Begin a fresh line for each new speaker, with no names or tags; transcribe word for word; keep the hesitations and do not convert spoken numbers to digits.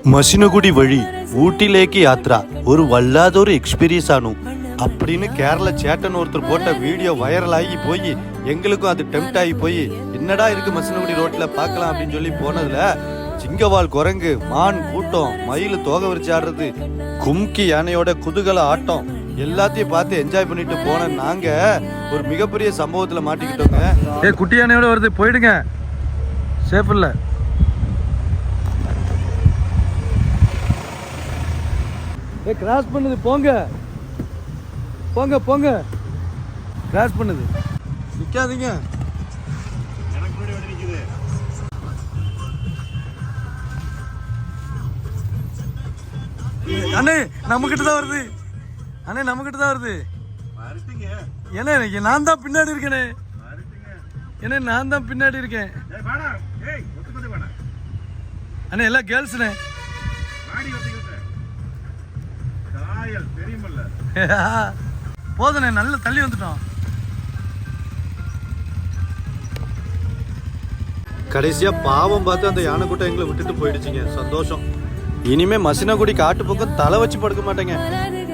മസിനഗുഡി വഴി ഊട്ടിയിലേക്ക് യാത്ര ഒരു വല്ലാതൊരു എക്സ്പീരിയൻസ് ആണ് அப்படின்னு கேரள சேட்டன் ஒருத்தர் போட்ட வீடியோ வைரல் ஆகி போய் எங்களுக்கும் அது டெம்ட் ஆகி போய் என்னடா இருக்கு மசினகுடி ரோட்ல பார்க்கலாம் அப்படின்னு சொல்லி போனதுல சிங்கவால் குரங்கு மான் கூட்டம் மயில் தோகை விரிச்சு ஆடுறது கும்கி யானையோட குதூகல ஆட்டம் எல்லாத்தையும் பார்த்து என்ஜாய் பண்ணிட்டு போன நாங்க ஒரு மிகப்பெரிய சம்பவத்துல மாட்டிக்கிட்டோங்க. ஏ குட்டி யானையோட வருது, போயிடுங்க, சேஃப் இல்ல. ஏ கிராஸ் பண்ணுது, போங்க போங்க போங்க, கிராஸ் பண்ணுது, நிக்காதீங்க. அண்ணே நம்ம கிட்ட தான் வருது, அண்ணே நம்ம கிட்ட தான் வருது. ஏன்னா நான் தான் பின்னாடி இருக்கேனே, ஏன்னா நான் தான் பின்னாடி இருக்கேன். அண்ணே எல்லாம் கேர்ள்ஸ்ண்ணே. போதுண்ணே, நல்ல தள்ளி வந்துட்டோம். கடைசியா பாவம் பார்த்து அந்த யானை கூட்டம் எங்களை விட்டுட்டு போயிடுச்சுங்க. சந்தோஷம். இனிமே மசினகுடி காட்டு பக்கம் தலை வச்சு படுக்க மாட்டேங்க.